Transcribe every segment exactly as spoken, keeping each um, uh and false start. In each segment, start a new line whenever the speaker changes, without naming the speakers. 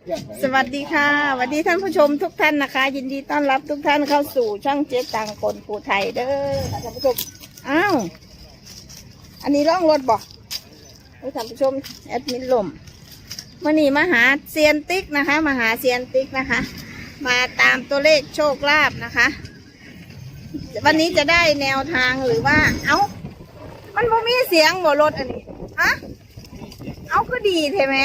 สวัสดีค่ะสวัสดีท่านผู้ชมทุกท่านนะคะ ยินดีต้อนรับทุกท่านเข้าสู่ช่องเจ๊ตังคนภูไทยเด้อท่านผู้ชมอ้าวอันนี้ร่องรถบอกท่านผู้ชมแอดมินลมมื่อนี้มาหาเซียนติ๊กนะคะมาหาเซียนติ๊กนะคะ มาตามตัวเลขโชคลาภนะคะ วันนี้จะได้แนวทางหรือว่าเอ้ามันบ่มีเสียงบ่รถอันนี้ฮะเอาก็ดีใช่ไหม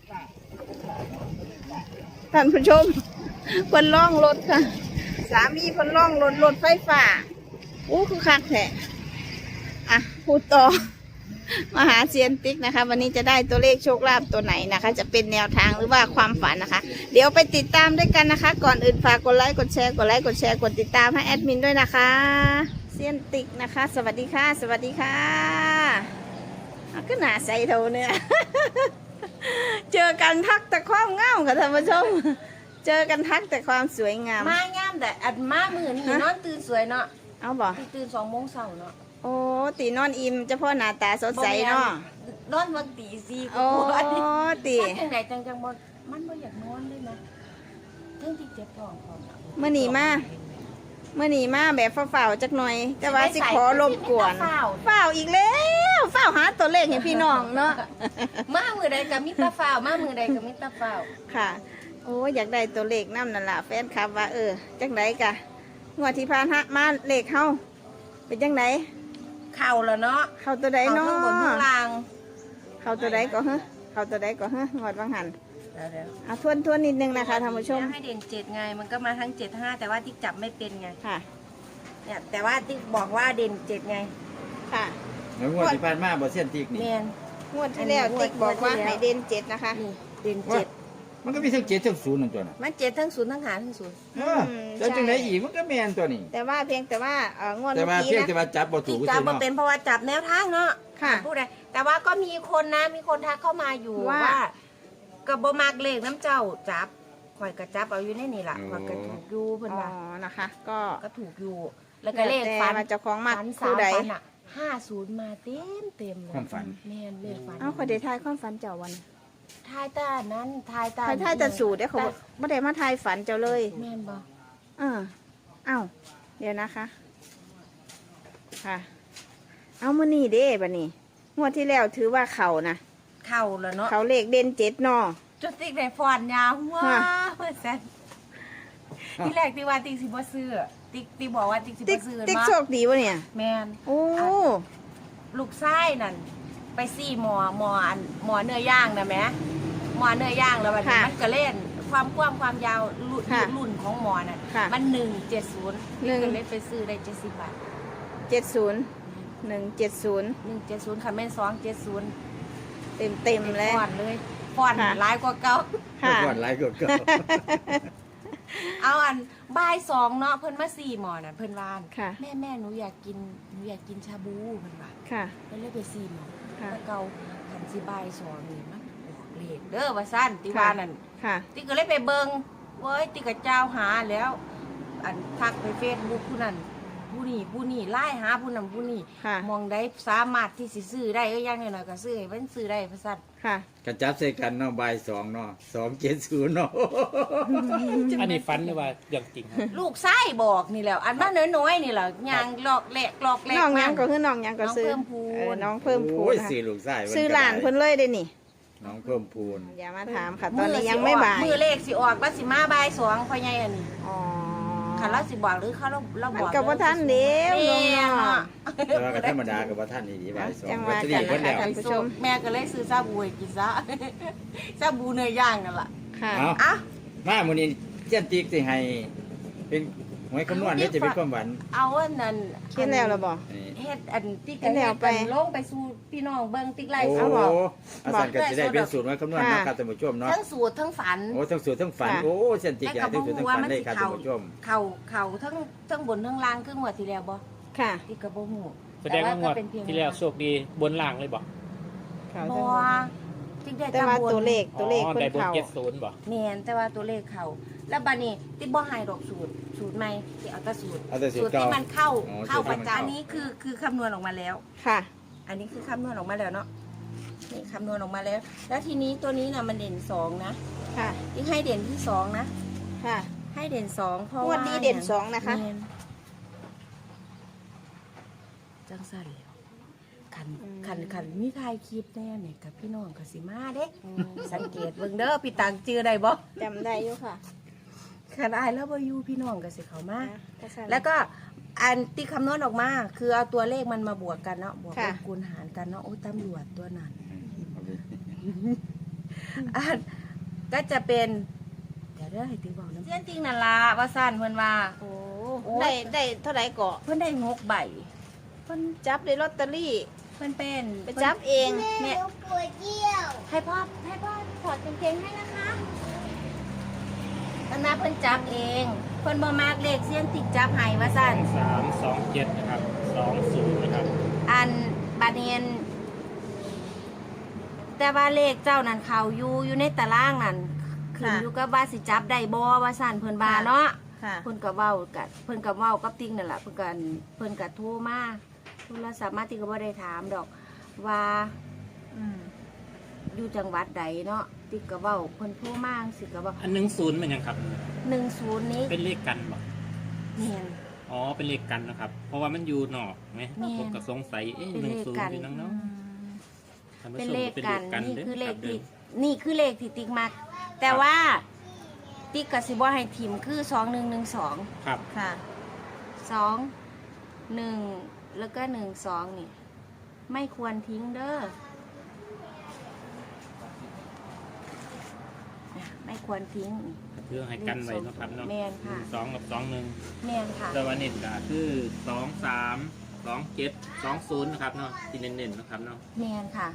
ท่านผู้ชมคนล่องรถค่ะสามีคนล่องรถรถไฟฟ้าอู้คือคักแท้อ่ะพูดต่อมาหาเซียนติ๊กนะคะวันนี้จะได้ตัวเลขโชคลาภตัวไหนนะคะ จะเป็นแนวทางหรือว่าความฝันนะคะ เดี๋ยวไปติดตามด้วยกันนะคะ ก่อนอื่นฝากกดไลค์กดแชร์กดไลค์กดแชร์กดติดตามให้แอดมินด้วยนะคะเซียนติ๊กนะคะสวัสดีค่ะสวัสดีค่ะก็หนาใสเท่าเนี่ย เจอกันทักแต่ความเงาค่ะท่านผู้ชมเจอกันทักแต่ความสวยงาม
มาย่ามแต่อัดมามือนี่นอนตื่นสวยเนาะ
เอาบ่
ตื่นสองโมงเช้าเนาะ
โอ้ตีนอนอิ่มเฉพาะหน้าตาสดใสเนาะ
นอนวันตีสี่
โอ้ตี
จังไหนจังจังบ่มันบ่อยากนอนเลยนะเรื่องที่เจ็บท้องของ
เมื่อนี้มาเมื่อนี้มาแบบเฝ้าๆจักหน่อยแต่ว่าสิขอรบกวนเฝ้าอีกแล้วเฝ้าหาตัวเลขให้พี่น้องเนาะ
มามือใดกับมิตรเฝ้ามามือใดกับมิตรเฝ้า
ค่ะโอ้อยากได้ตัวเลขน้ำนั่นล่ะแฟนคลับว่าเออจังไหนกะงวดที่ผ่านฮะมาเลขเฮาเป็นจังไหน
เข่าแล้วเนาะ
เข่าตัวใดเนาะ
ทั้งบนทั้งล่าง
เข่าตัวใดก็ฮะเข่าตัวใดก็ฮะงวดบางหันอ่ะทวนทวนนิดนึงนะคะท่านผู้ชม
ให้เด่นเจ็ดไงมันก็มาทั้งเจ็ดห้าแต่ว่าติ๊กจับไม่เป็นไง
ค่ะ
เนี่ยแต่ว่าติ๊กบอกว่าเด่นเจ็ดไง
ค่ะ
แล้วงวดที่ผ่านมาบ่เส้นติ๊กนี่
งวดที่แล้วติ๊กบอกว่าให้เด่นเจ็ดนะคะ
เด่นเจ็ด
มันก็มีทั้งเจ็ดทั้งศูนย์นั่นตัวน่ะ
มันเจ็ดทั้งศูนย์ทั้งหาทั้งศูนย์
แล้วจังไหนอีกมันก็แม่นตัวนี้
แต่ว่าเพียงแต่ว่าเอองวด
แต่ว่าเพียงแต่ว่าจับบ่ถูก
จับบ่เป็นเพราะว่าจับแนวทางเนาะ
ค่ะ
พูดได้แต่ว่าก็มีคนนะมีคนทักเข้ามาอยู่ว่ากับบมากเลขน้ำเจ้าจับข่อยกระจับเอาอยู่ในนี่แหละข่อยกระถูกอยู่เพิ่นว่า
อ๋อนะคะ ก็
ก็ถูกอยู่แล้วก็เลขฝัน
เจ้าของมา
คู่ใดห้าศูนย์มาเต็มเต็มเลย
ความฝัน
แม่นเลขฝัน
เอ้าขอเดทายความฝันเจ้าวัน
ทายตานั้นทายตา
ทายแต่สูตรเด้เขาไม่ได้มาทายฝันเจ้าเลย
แม่นบ่
เออเอ้าเดี๋ยวนะคะค่ะเอามานี่เด้บัดนี้งวดที่แล้วถือว่าเขานะ
เขาแล้วเนาะ
เขาเลขเด่นเจ็ดนอ
จุดติ๊กได้ฟอนยาวว้าเพื่อนแซนที่แรกติ๊กว่าติ๊กสิบ่ซื้อติ๊กติ๊กบอกว่าติ๊กสิบ่ซื้อ
ติ๊กโชคดีวะเนี่ย
แมน
โอ้
ลูกไส้นั่นไปซี่หมอหมออันหมอเนื้อย่างนะแม่หมอเนื้อย่างแล้วมันมันก็เล่นความกว้างความยาวรุ่นของหมอน่ะมันหนึ่งเจ็ดศูนย์ติ๊กก็เลยไปซื้อได้เจ็ดสิบบาท
เจ็ดศูนย์หนึ่งเจ็ดศูนย์
หนึ่งเจ็ดศูนย์ค่ะแม่สองเจ็ดศูนย์
เต็มเต็มเลย
ฟอนเลยฟอนหลายกว่าเก่า
ฟอนหลายกว่าเก่า
เอาอันบ่ายสองเนาะเพิ่นมาสี่หมอน่ะเพิ่นวาน
แ
ม่แม่หนูอยากกินหนูอยากกินชาบูเพิ่นว่า
ค่ะ
แล้วเลยไปสี่หมอแล้วเก่าขันสิบ่ายสองนี่มันออกเลขเด้อว่าซั่นติว่านั่นติก็เลยไปเบิ่งเว้ยติก็เจ้าหาแล้วอันทักไปเฟซบุ๊กผู้นั้นผู้นี้ผู้นี้ไล่หาผู้นั้นผู้นี้มองได้สามารถที่สิซื้อได้เอ้ยอย่างน้อยๆก็ซื้อให้มันซื้อได้ว่าซั่น
ค่ะ
กระจับใส่กันเนาะบ่ายสองเนาะสองเจ็ดศูนย์เนาะ
อันนี้ฝันหรือว่าเรื่องจริง
ลูกไส้บอกนี่แหละอันมาน้อยๆนี่แหละยางหลอกแหลกหลอกแหลก
น้องยังก็คือน้องยังก็ซื้อน้องเพิ่มพูน
ซื้อลูกไส้
ซื้อหลานเพิ่นเลยได้นี่
น้องเพิ่มพูน
อย่ามาถามค่ะตอนนี้ยังไม่บ่าย
มือเลขสิออกว่าสิมาบ่ายสองพ่อใหญ่อันนี้อ๋อค่ะเราสิบอกหรือเขาเราเราบอก
กับว่าท่านเดียว
เนาะ
แต่ว่าก็ธรรมดากับว่าท่านนี่ดีบ่ายสอง
วัตถุดิบเพิ่นแล้วท่านผู้ชม
แม่ก็เลยซื้อซาบูให้กินซะซาบูเนื้อย่างนั่นแหละ
ค่ะ
อ่ะ
มามื้อนี้เจ้าติ๊กสิให้เป็นหวยคำนวณนี่จะเป็นความหวัง
เอาอันนั้น
คิดแล้วหรอบ่
เฮ็ดอันติ๊กกันแล้วไปลงไปสู่พี่น้องเบิ่งติ๊กไล่
เอาบ่อาจารย์ก็สิได้เป็นสูตรหวยคำนวณนะครับท่านผู้ชมเนาะ
ทั้งสูตรทั้งฝัน
โอ้ทั้งสูตรทั้งฝันโอ้เส้นติ๊กทั้งสูตรทั้งฝันได้ครับท่านผู้ชม
เข่าเข่าทั้งทั้งบนทั้งล่างคือหมดที่แล้วบ่
ค่ะ
ติ๊กก็บ่ฮู้
แสดงว่างวดที่แล้วโชคดีบนล่างเลยบ่
บ่ติ๊กได้
แต่ว่าตัวเลขตัวเลขเพิ่น
เข้าเจ็ดศูนย์บ่
แม่นแต่ว่าตัวเลขเข้าแล้วบัดนี้ติ๊กบ่ให้ดอกสูตรสูตรใหม่ที่เอาแต่สูตรสูตรที่มันเข้าเข้าปัจจุบันนี้คือคือคำนวณออกมาแล้ว
ค่ะ
อันนี้คือคำนวณออกมาแล้วเนาะนี่คำนวณออกมาแล้ว แล้วทีนี้ตัวนี้นะมันเด่นสองนะ
ค่ะ
ที่ให้เด่นที่สองนะ
ค่ะ
ให้เด่นสองเพราะ
งว
ว่า
ดนี้เด่นสองนะคะ
แม่จังสั่นแล้วขัน
อืม
ขันขันมีถ่ายคลิปแน่เนี่ยกับพี่น้องกับสิมาเด้สังเกตเบิ่งเด้อพี่ตังจือได้บ่
จำได้อยู่ค่ะ
ขันอายแล้วบ่อยู่พี่น้องกับสิเขามา
ก็สั่น
แล้วก็อันที่คำนวณออกมา คือเอาตัวเลขมันมาบวกกันเนาะบวก
ค่ะ
ลบคูณหารกันเนาะโอ้ยตำรวจตัวนั้นอันก็จะเป็นเดี๋ยวเด้อให้ตีบอกน้ำเสี้ยนจริงนั่นล่ะว่าสั้นเพิ่นว่า
โอ้
โอ้ย
ได้ได้เท่าไหร่เกาะ
เพิ่นได้งกใบ
เพิ่นจับได้ลอตเตอรี่
เพิ่นเป็น
ไปจับเอง
แม่ให้พ่อให้พ่อถอดกางเกงให้นะคะตั้งนาเพิ่นจับเองเพิ่นบ่มากเลขเสี้ยนติกจับให้ว่าสั้น
สามสองเจ็ดนะครับสองศูนย์นะครับ
อันบาดเนียนแต่ว่าเลขเจ้านั่นเขาอยู่อยู่ในตารางนั่นขึ้นอยู่กับว่าสิจับได้บ่ว่าสั่นเพิ่นบาเนาะ
ค่ะ
เพิ่นก็เว้ากับเพิ่นก็เว้ากับติ๊งนั่นแหละเพิ่นก็เพิ่นก็โทรมาโทรศัพท์มาติ๊กก็บ่ได้ถามดอกว่า
อืม
อยู่จังหวัดใดเนาะติ๊กก็เว้าเพิ่นโทรมาสิก็เว้า
อันหนึ่งศูนย์มันยังครับ
หนึ่งศูนย์นี้
เป็นเลขกันบ่
แม่น
อ๋อเป็นเลขกันนะครับ เพราะว่ามันอยู่นอกไหม
แม่น
ผมก็สงสัยเอ๊ะ
เป็น
หนึ่
เล
ง
ข
ศูน
กั
ย์
น
อยู่นั่งเนาะท่านผู้
เป็น
ชม
เลขกัน
ป็
นี่
ด้
คือเลข
รับ
ที่
ด้อ
นี่คือเลขที่ติ๊กมัก แต่ว่าติ๊กก็สิบ่ให้ทิมคือสองหนึ่งหนึ่งสอง
ครับ
ค่ะ
สองหนึ่งแล้วก็หนึ่งสองนี่ ไม่ควรทิ้งเด้อเนี่ยไม่ควรทิ้งนี่
เพื่อให้กันไว้เนาะครับเนาะ
แม่นค่ะ
สองกับสองหนึ่ง
แม่นค่ะ
แต่ว่าเน็ตก็คือสองสามสองเจ็ดสองศูนย์นะครับเนาะที่เน้นๆนะครับเนาะ
แม่นค่ะ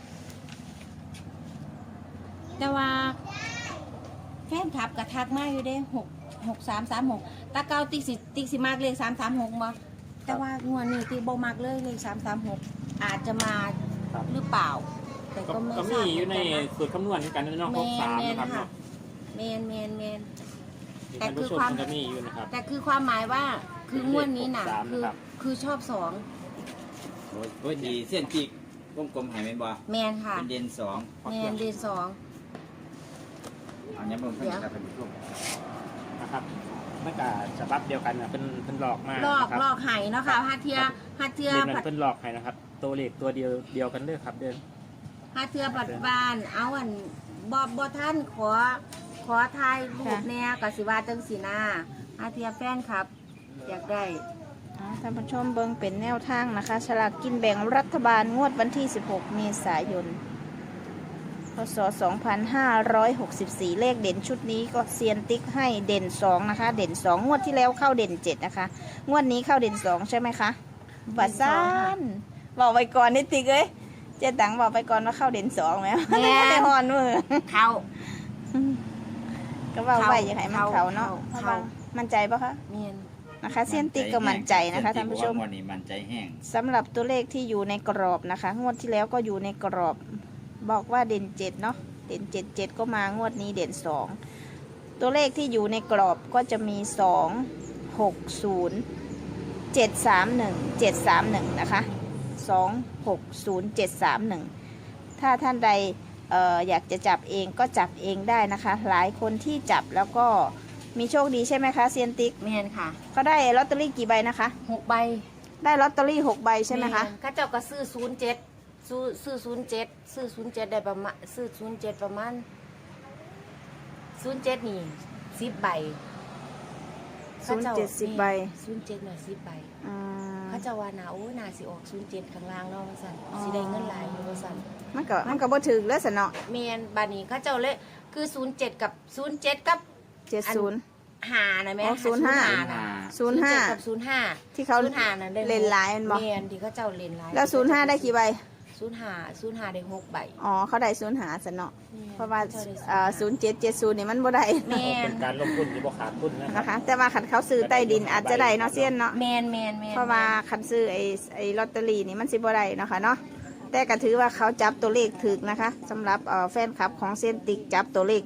แต่ว่าแฟนคลับกระทักมาอยู่เด้หกหกสามสามหกตาเก้าติ๊กสิติ๊กสิมากเลขสามสามหกมาแต่ว่างวดนี้ติ๊กบ่มากเลยเลขสามสามหกอาจจะมา
ครับ
หรือเปล่า แต่
ก็
ก็ไม่
ก็
ท
มี
ราบ
อยู่ใน
เหมือนกันนะ
สูตรคำนวณเหมือนกันเนาะ
แม
หกสาม
นแมน
นะครับ
ค่ะ
เนาะ
แมนแมนแมน
ที่
แต่
ท่าน
คือ
ผู้ชม
ความ
มันจะมีอยู่นะครับ
แต่คือความหมายว่าคืองวดนี้น่ะ
หกสาม
คือ
นะครับ
คือชอบสอง
โอ้ยโอ้ยดีเส้นจิกวงกลมหายไหมนบ่
แมนค่ะ
เป็นเด่นสอง
แมนเดือนสอง
อันนี้เบิ่งเพิ่นครับท่านผู้ชม
นะครับเมื่อกาฉบับเดียวกันนะเป็นเป็นหลอกมา
ลอก
นะครับ
ลอกไห้เนาะค่ะฮัทเทียฮัทเทีย
เรียนนั้
ผัด
นเป็นหลอกให้นะครับ ตัวเลขตัวเดียวเดียวกันเด้อครับเดิน
ฮัทเทียปัดบ้านเอาอันบอบบอท่านขอขอถ่ายรูปแน่กับสิว่าจังสีนาฮัทเทียแฟนครับ อยากได้
อ่าท่านผู้ชมเบิ่งเป็นแนวทางนะคะฉลากกินแบ่งรัฐบาลงวดวันที่สิบหกเมษายนพศสองพันห้าร้อยหกสิบสี่เลขเด่นชุดนี้ก็เซียนติ๊กให้เด่นสองนะคะ เด่นสองงวดที่แล้วเข้าเด่นเจ็ดนะคะ งวดนี้เข้าเด่นสองใช่ไหมคะบัตรซ่านบอกไปก่อนนิดติ๊กเอ้ยเจ๊ตังบอกไปก่อนว่าเข้าเด่นสองไหมไม่ได้ฮอนมือ
เขา
ก็ว่าไว้อยังไงมันเขาเนาะ
เขา
เพราะว่ามั่นใจปะคะ
เมียน
นะคะเซียนติ๊กก็มั่นใจนะคะท่านผู้ชม
วันนี้มั่นใจแห้ง
สำหรับตัวเลขที่อยู่ในกรอบนะคะ งวดที่แล้วก็อยู่ในกรอบ บอกว่าเด่นเจ็ดเนาะเด่นเจ็ดเจ็ดก็มางวดนี้เด่นสองตัวเลขที่อยู่ในกรอบก็จะมีสองหกศูนย์เจ็ดสามหนึ่งเจ็ดสามหนึ่งนะคะสองหกศูนย์เจ็ดสามหนึ่งถ้าท่านใดเอออยากจะจับเองก็จับเองได้นะคะ หลายคนที่จับแล้วก็มีโชคดีใช่ไหมคะเซียนติ๊ก
เมียนค่ะ
เขาได้ลอตเตอรี่กี่ใบนะคะ
หกใบ
ได้ลอตเตอรี่หกใบใช่ไหมคะ
แนข้าเจ้าก็ซื้อศูนย์เจ็ดซื้อซื้อศูนย์เจ็ดซื้อศูนย์เจ็ดได้ประมาณซื้อศูนย์เจ็ดประมาณศูนย์เจ็ดนี่สิบใบ
ศูนย์เจ็ดสิบใบ
ศูนย์เจ็ดน่ะสิบใบ
อืม
เขาเจะว่าหนาโอ้ยหนาสิออกศูนย์เจ็ดข้างล่างเนาะว่าสั่น
อ๋อ
สิได้เงินหลายอยู่ว่าสั่น
มันก็มันก็บ่ถึงแล้วสนเนาะ
เมียนบานี้เขาเจ้าเลยคือศูนย์เจ็ดกับศูนย์เจ็ดกับ
เจ็ดศูนย์
หานะแม่
อ๋อศูนย์ห้า
น่ะ
ศูนย์ห้า
เจ็ดกับศูนย์ห้า
ที่เขา
ศูนย์ห้าน่ะได้
เล่นหลายแม่นบ่
เมียนที่เขาเจ้าเล่นหลาย
แล้วศูนย์ห้าได้กี่ใบ
ศูนย์ห้าศูนย์ห้าได้หกใบ
อ๋อเขาได้ศูนย์หาสนเนาะ
แม่น
เพราะว่า
ขจ้ได้
เอ่อศูนย์เจ็ดเจ็ดศูนย์นี่มันบ่ได้
แม่น
เป็นการลงทุนที่บ่ขาดทุนนะครั
นะคะ แต่ว่าขันเขาซื้อใต้ดินอาจจะได้เนาะเซียนเนาะ
แมนแมนแมน
เพราะว่าขันซื้อไอ้ไอ้ลอตเตอรี่นี่มันสิบ่ได้เนาะค่ะเนาะแต่ก็ถือว่าเขาจับตัวเลขถึกนะคะสำหรับเอ่อแฟนคลับของเซียนติ๊กจับตัวเลขถึก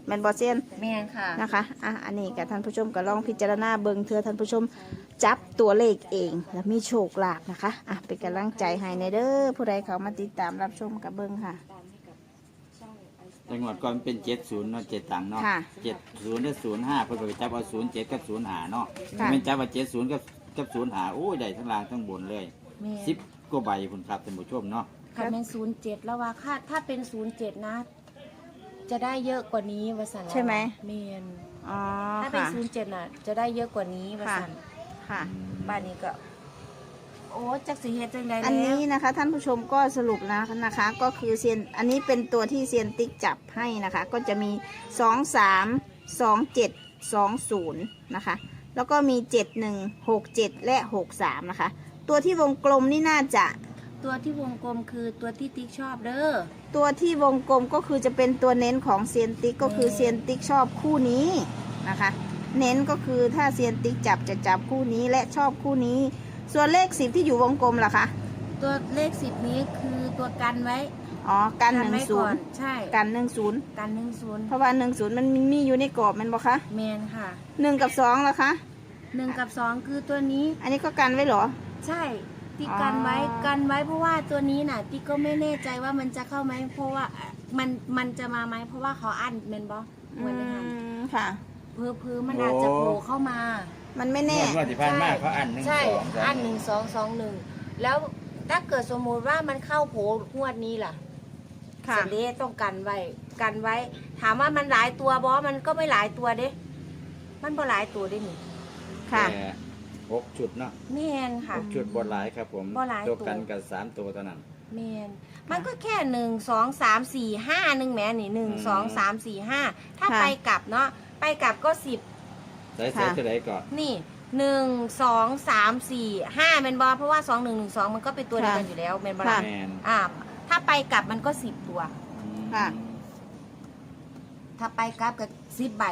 แม่นบ่เซียน
แม่นค่ะ
นะคะอ่ะอันนี้กับท่านผู้ชมก็ลองพิจารณาเบิ่งเถื่อท่านผู้ชมจับตัวเลขเองแล้วมีโชคลาภนะคะอ่ะเป็นกำลังใจให้ในเด้อผู้ใดเขามาติดตามรับชมกับเบิ่งค่ะ
จังหวัดก่อนเป็นเจ็ดศูนย์เนาะเจ็ดตังค์เนาะ
ค่ะ
เจ็ดศูนย์หรือศูนย์ห้าเพิ่นก็ไปจับเอาศูนย์เจ็ดกับศูนย์ห้าเนาะ
ค่ะ
เป็นจับว่าเจ็ดศูนย์กับกับศูนย์ห้าโอ้ยได้ทั้งล่างทั้งบนเลย
แม่น
สิบกว่าใบคุณครับท่านผู้ชมเนาะ
ค่ะเป็นศูนย์เจ็ดแล้วว่าค่าถ้าเป็นศูนย์เจ็ดนะ จะได้เยอะกว่านี้วสัน
ใช่ไหม
เมน
อ๋อ
ถ้าเป็น
ค่ะ
ศูนย์เจ็ดน่ะ จะได้เยอะกว่านี้วสัน
ค่ะ
บ้านนี้ก็ โอ้จักสีเฮ็ดจังใด
อัน
แล้ว
นี้นะคะท่านผู้ชมก็สรุปนะนะคะ ก็คือเซียนอันนี้เป็นตัวที่เซียนติ๊กจับให้นะคะ ก็จะมีสองสามสองเจ็ดสองศูนย์นะคะ แล้วก็มีเจ็ดหนึ่งหกเจ็ดและหกสามนะคะ ตัวที่วงกลมนี่น่าจะ
ตัวที่วงกลมคือตัวที่ติ๊กชอบเด้อ
ตัวที่วงกลมก็คือจะเป็นตัวเน้นของเซียนติ๊กก็คือเซียนติ๊กชอบคู่นี้นะคะ เน้นก็คือถ้าเซียนติ๊กจับจะจับคู่นี้และชอบคู่นี้ ส่วนเลขสิบที่อยู่วงกลมล่ะคะ
ตัวเลขสิบนี้คือตัวกันไว้
อ๋อกันหนึ่ง
ไว้
ศู
ก่อน
ย์
ใช่
กันหนึ่งศูนย์
กันหนึ่งศูนย์
เพราะว่าหนึ่งศูนย์มันมีอยู่ในกรอบแมันบอกคะ
แมนค่ะ
หนึ่งกับสองล่ะคะ
หนึ่งกับสองคือตัวนี้
อันนี้ก็กันไว้เหรอ
ใช่ติ๊ก
อ๋อ
กันไว้กันไว้เพราะว่าตัวนี้น่ะติ๊กก็ไม่แน่ใจว่ามันจะเข้าไหมเพราะว่ามันมันจะมาไหมเพราะว่าเขาอั้นเมนบอ
อื
วันนี้ค่ะ
มค่ะ
เพื่อเพื่อมันอาจจะโผล่เข้ามา
มันไม่แน่
งวดที่ผ่านมาเขาอันหนึ่ง
ใช่
สอง
อันหนึ่งสองสองหนึ่งแล้วถ้าเกิดสมมุติว่ามันเข้าโผล่งวดนี้ล่ะ
ค่ะ
เสยเด็ต้องกันไว้กันไว้ ถามว่ามันหลายตัวบอมันก็ไม่หลายตัวเด้ มันบ่หลายตัวเด้นี่
ค่ะ
แต่หกชุดเนาะ
แม่นค่ะ
หกชุดบนหลายครับผม
บ่หลาย
ตัว
ตัว
กันกับสามตัวเท่านั้น
แมนมันก็แค่หนึ่งสองสามสี่ห้าหนึ่งแหม่นี่หนึ่งสองสามสี่ห้าถ้า
ค่ะ
ไปกลับเนาะไปกลับก็สิบ
ใส่ใส่ตัวไหนก่อน
นี่หนึ่งสองสามสี่ห้าเมนบอเพราะว่าสองหนึ่งหนึ่งสองมันก็เป็นตัวเดียวกันอยู่แล้วเมนบอ
ค่ะ
แมน
อ่า ถ้าไปกลับมันก็สิบตัว
ค่ะ
ถ้าไปกลับกับสิบใบ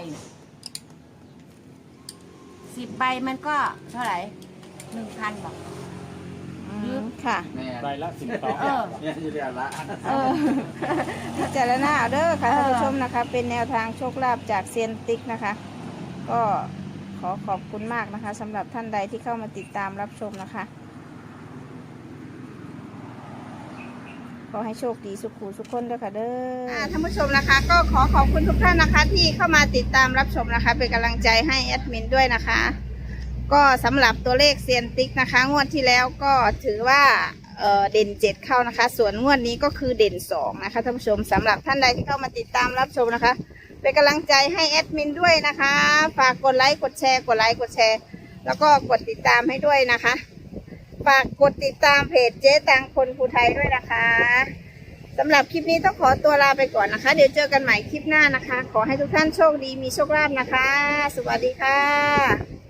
สิบใบมันก็เท่าไหร่หนึ่งพันบอก
อืมค่ะ
แมน
ใบละสิบสอง
เออ
เนี่ยอยู่เรียนละ
เออ พิจารณาเอาเด้อค่ะท่านผู้ชมนะคะ เป็นแนวทางโชคลาภจากเซียนติ๊กนะคะ ก็ขอขอบคุณมากนะคะสำหรับท่านใดที่เข้ามาติดตามรับชมนะคะ ขอให้โชคดีสุขุสุขคนด้วยค่ะเด้อท่านผู้ชมนะคะ ก็ขอขอบคุณทุกท่านนะคะ ที่เข้ามาติดตามรับชมนะคะ เป็นกำลังใจให้แอดมินด้วยนะคะ ก็สำหรับตัวเลขเซียนติ๊กนะคะ งวดที่แล้วก็ถือว่าเอ่อเด่นเจ็ดเข้านะคะ ส่วนงวดนี้ก็คือเด่นสองนะคะท่านผู้ชมสำหรับท่านใดที่เข้ามาติดตามรับชมนะคะ เป็นกำลังใจให้แอดมินด้วยนะคะ ฝากกดไลค์กดแชร์กดไลค์กดแชร์ แล้วก็กดติดตามให้ด้วยนะคะ ฝากกดติดตามเพจเจ๊ตังคนภูไทยด้วยนะคะสำหรับคลิปนี้ต้องขอตัวลาไปก่อนนะคะ เดี๋ยวเจอกันใหม่คลิปหน้านะคะ ขอให้ทุกท่านโชคดีมีโชคลาภนะคะ สวัสดีค่ะ